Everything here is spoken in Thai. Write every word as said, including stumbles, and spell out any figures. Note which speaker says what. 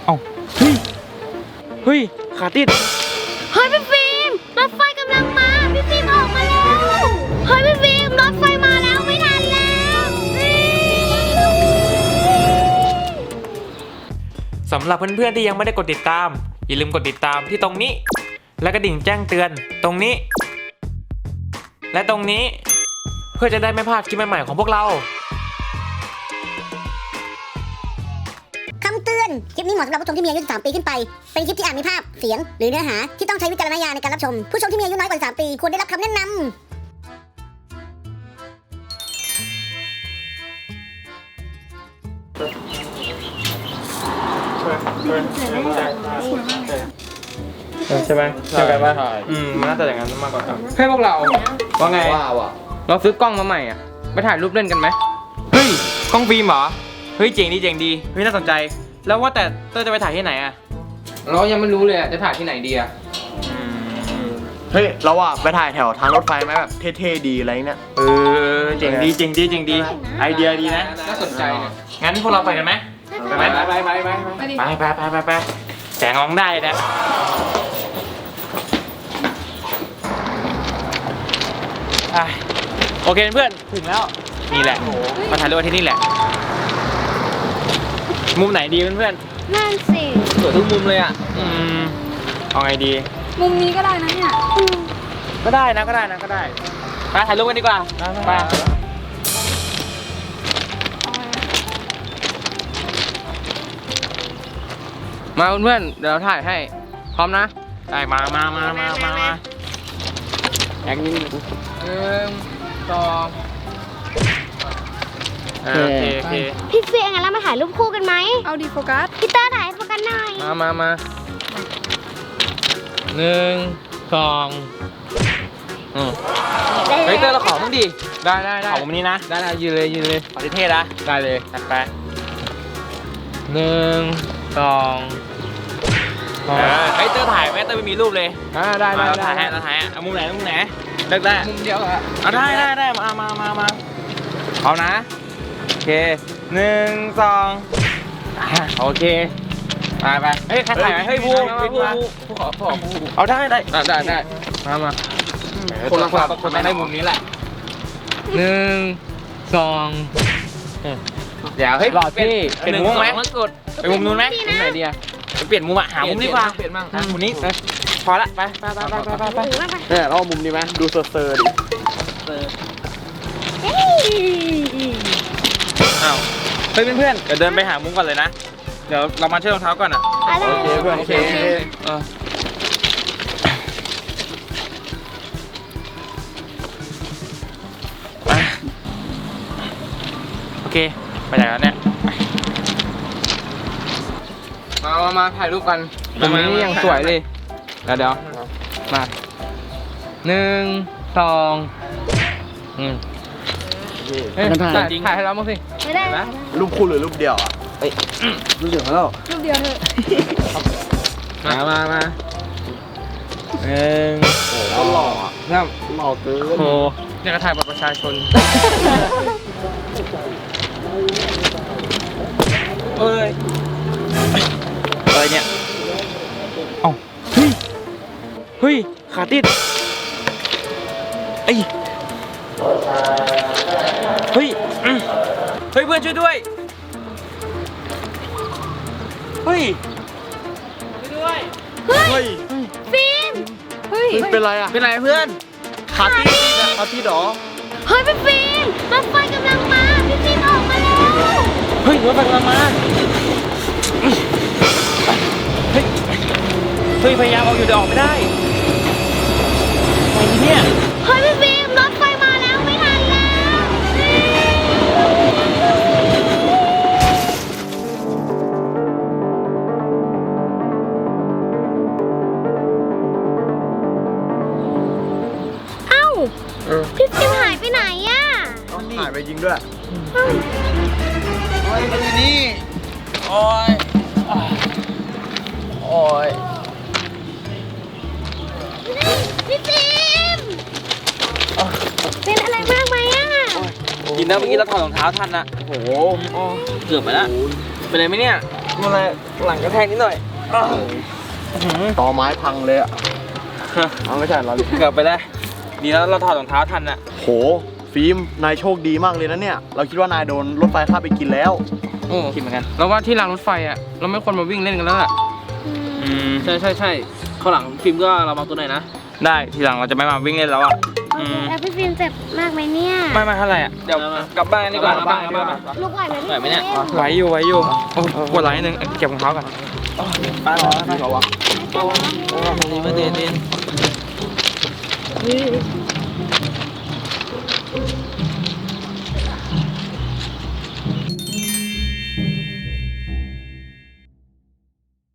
Speaker 1: เอ้าเฮ้ยเฮ้ยขาติด
Speaker 2: เฮ้ยพี่ฟิล์มรถไฟกำลังมาพี่ฟิล์มออกมาแล้วเฮ้ยพี่ฟิล์มรถไฟมาแล้วไม่ทันแล้ว
Speaker 1: สำหรับเพื่อนๆที่ยังไม่ได้กดติดตามอย่าลืมกดติดตามที่ตรงนี้และกระดิ่งแจ้งเตือนตรงนี้และตรงนี้เพื่อจะได้ไม่พลาดคลิปใหม่ๆของพวกเรา
Speaker 3: คำเตือนคลิปนี้เหมาะสำหรับผู้ชมที่มีอายุสิบสามปีขึ้นไปเป็นคลิปที่อาจมีภาพเสียงหรือเนื้อหาที่ต้องใช้วิจารณญาณในการรับชมผู้ชมที่มีอายุน้อยกว่าสิบสามปีควรได้รับคำแนะนำ
Speaker 1: ใช่ไหมใช่กันป่ะอืมมันน่าจะอย่างนั้นมากกว่า
Speaker 4: ให้พวกเราว่าไง
Speaker 5: ว้าวอ่ะ
Speaker 4: เราซื้อกล้องมาใหม่อ่ะไปถ่ายรูปเล่นกันไหม
Speaker 1: เฮ้ยกล้องฟิล์มเหรอเฮ้ยเจ๋งดีเจ๋งดีเฮ้ยน่าสนใจแล้วว่าแต่เต้ยจะไปถ่ายที่ไหนอะ
Speaker 4: เรายังไม่รู้เลยอ่ะจะถ่ายที่ไหนดีอ่ะ
Speaker 5: เฮ้ยเราอ่ะไปถ่ายแถวทางรถไฟไหมแบบเท่ๆดีอะไรเนี้ย
Speaker 1: เออเจ๋งดีเจ๋งดีเจ๋งดีไอเดียดีนะ
Speaker 4: น่าสนใจเนี่ย
Speaker 1: งั้นพวกเราไปกันไหมไปไหม
Speaker 4: ไปไปไปไป
Speaker 1: ไปไปไปไปไปแสงมองได้นะอ่ะโอเคเพื่อนถึงแล้วนี่แหละมาถ่ายรูปที่นี่แหละมุมไหนดีเพื่อน
Speaker 2: นั่นสิ
Speaker 4: สวยทุกมุมเลยอ่ะ
Speaker 1: ๆอืมเอาไงดี
Speaker 2: มุมนี้ก็ได้นะเนี่ย
Speaker 1: ก็ได้นะก็ได้นะก็ได้ไปถ่ายรูปกันดีกว่าไป
Speaker 4: มาเพื่อนๆเดี๋ยวเราถ่ายให้พร้อมนะ
Speaker 1: ได้มามามามามามาแอคนิดนึง
Speaker 4: หนึ่งสอง
Speaker 1: โอเคโอเค
Speaker 2: พี่ฟิล์มงั้นเรามาถ่ายรูปคู่กันไหมเอาดีโฟกัสพี่เตอร์ถ่ายโฟกัสหน่อย
Speaker 4: มามามาหนึ่งสองอืม
Speaker 1: เฮ้ยเตอร์เราขอมึงดิ
Speaker 4: ได้ได้ได้
Speaker 1: ขอมุมนี้นะ
Speaker 4: ได้ได้ยืนเลยยืนเลย
Speaker 1: ขอเท่ๆนะ
Speaker 4: ได้เลย
Speaker 1: จัดไป
Speaker 4: หนึ่งสอง
Speaker 1: เออเฮ้ยเตอร์ถ่ายไหมเตอร์ไม่มีรูปเลย
Speaker 4: อ่าได้ได้
Speaker 1: เรา
Speaker 4: ได้
Speaker 1: ถ่ายให้เราถ่ายให้เอามุมไหนมุมไหนเลือกได้
Speaker 4: มุมเดียวอะ
Speaker 1: เอาได้ได้ได้มามามามาเอานะโอเคหนึ่งสองอ่ะโอเคไปไปเฮ้ยใครถ่ายไหมเฮ้ยภูเฮ้ยภูภูขอขอภูเอาได้ได้
Speaker 4: ได้ได้ได้มามา
Speaker 1: คนละคนละคนต้องได้มุมนี้แหละ
Speaker 4: หนึ่งสอง
Speaker 1: เดี๋ยวเฮ้ย
Speaker 4: หล่อเท่
Speaker 1: เปลี่ยนมุมไหมไปมุมนู้นไหม
Speaker 4: มุมไหนดีอะ
Speaker 1: ไปเปลี่ยนมุมอะหามุมดีกว่า
Speaker 4: เปลี่ยนบ้าง
Speaker 1: อ่ะมุมนี้พอละไปไปไปไปไปไป
Speaker 5: เนี่ยเราเอามุมนี้ไหมดูเซอร์เซอร์ดิ
Speaker 1: อ้าวเฮ้ยเพื่อนๆเดี๋ยวเดินไปหามุมก่อนเลยนะเดี๋ยวเรามาเชื่อรองเท้าก่อนอ่ะ
Speaker 2: อะไร
Speaker 5: โอเคเพื่อน
Speaker 1: โอเคเอออ่ะโอเคไปไหนแล้วเนี่ย
Speaker 4: มามามาถ่ายรูปกันตรงนี้ยังสวยเลยเดี๋ยวเดี๋ยวมาหนึ่งสองอืมเอ้ยถ่ายถ่ายให้เราบ้างสิ
Speaker 2: ไม่ได้นะ
Speaker 5: รูปคู่หรือรูปเดียวอ่ะเอ้ยรูปเดียวแล้ว
Speaker 2: รูปเดียวเถอะ
Speaker 4: มามามา
Speaker 1: หนึ่ง
Speaker 5: โอ้ก็หล่ออ่ะ
Speaker 4: เริ่ม
Speaker 5: หล่อเกิน
Speaker 1: โอ้ยังกระถ่ายบัตรประชาชนเอ้ยอะไรเนี่ยเอ้าเฮ้ยเฮ้ยขาติดไอ้เฮ้ยอืมเฮ้ยเพื่อนช่วยด้วยเฮ้ยช่วยด้วย
Speaker 5: เฮ้ย
Speaker 2: ฟิล์มเฮ้ย
Speaker 5: เป็นไรอ่ะ
Speaker 1: เป็นไรเพื่อน
Speaker 5: ขาติดอะขาติดเหรอ
Speaker 2: เฮ้ยพี่ฟิล์มรถไฟกำลังมาพี่ฟิล์มออกมาแล้ว
Speaker 1: เฮ้ยรถไฟกำลังมาเฮ้ยเฮ้ยพยายามเอาอยู่แต่ออกไม่ได้อะไรเนี่ย
Speaker 2: เฮ้ยพี่ฟิล์มรถไฟมาแล้วไม่ทันแล้วเอ้าพี่ฟิล์มหายไปไหนอะ
Speaker 5: หายไปจริงด้วย
Speaker 1: โอ้ยมันอยู่นี่โอ้ยโอ้ย
Speaker 2: พี่ฟิล์มเป็นอะไรมากไหมอะ
Speaker 1: กินนะเมื่อกี้เราถอดรองเท้าทันนะ
Speaker 5: โอ้โห
Speaker 1: เกือบไปแล้วเป็นไรไหมเนี่ยอะไรหลังกระแทกนิดหน่อย
Speaker 5: ต่อไม้พังเลยอะเอาไม่ใช่เรา
Speaker 1: เกือบไปแล้วดีแล้วเราถอดรองเท้าทันอะ
Speaker 5: โหฟิล์มนายโชคดีมากเลยนะเนี่ย เราคิดว่านายโดนรถไฟคาบไปกินแล้ว
Speaker 4: โอ้คิดเหมือนกันแล้วว่าที่รางรถไฟอ่ะเราไม่ควรมาวิ่งเล่นกันแล้วล่ะ
Speaker 1: อืม
Speaker 6: ใช่ใช่ใช่ข้างหลังฟิล์มก็ระวังตัวหน่อยนะ
Speaker 1: ได้ทีหลังเราจะไม่มาวิ่งเล่นแล้วอะ
Speaker 2: โอเคแล้วพี่ฟิล์มเจ็บมากไหมเนี่ย
Speaker 1: ไม่ไม่เท่าไหร่อะเดี๋ยวกลับบ้านดีกว่าก
Speaker 6: ลับบ้านกลับบ้าน
Speaker 2: ลูกไหวไหมพี่
Speaker 6: ไหวไหมเนี่ย
Speaker 2: ฟิล์
Speaker 1: ไหวอยู่ไหวอยู่โอ้ปวดหลังนิดนึงเก็บรองเท้าก่อน
Speaker 5: ไปรอไปรอวะ
Speaker 6: ดีมาเดนเดน